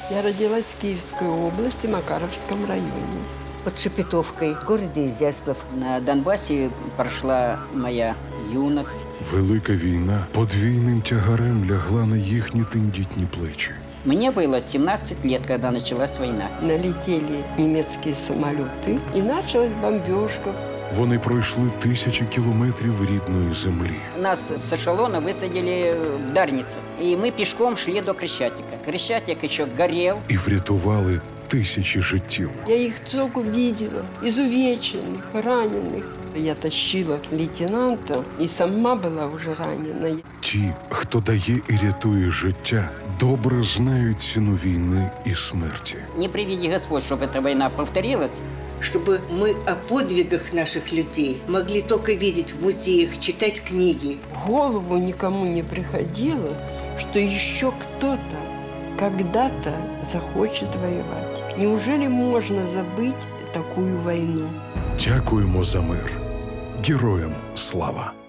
Я родилась в Киевской области, Макаровском районе. Под Шепетовкой, в городе Изяслав. На Донбасі пройшла моя юність. Велика війна подвійним тягарем лягла на їхні тендітні плечі. Мне было 17 лет, когда началась война. Налетели немецкие самолеты, и началась бомбежка. Вони пройшли тисячі кілометрів рідної землі. Нас с эшелона высадили в Дарницу, и мы пешком шли до Крещатика. Крещатик еще горел. І врятували тисячі життів. Я их только видела, изувеченных, раненых. Я тащила лейтенанта и сама была уже ранена. Ті, хто дає і рятує життя, добре знають ціну війни і смерті. Не приведи Господь, чтобы эта война повторилась. Чтобы мы о подвигах наших людей могли только видеть в музеях, читать книги. В голову никому не приходило, что еще кто-то когда-то захочет воевать. Неужели можно забыть такую войну? Дякуємо за мир. Героям слава!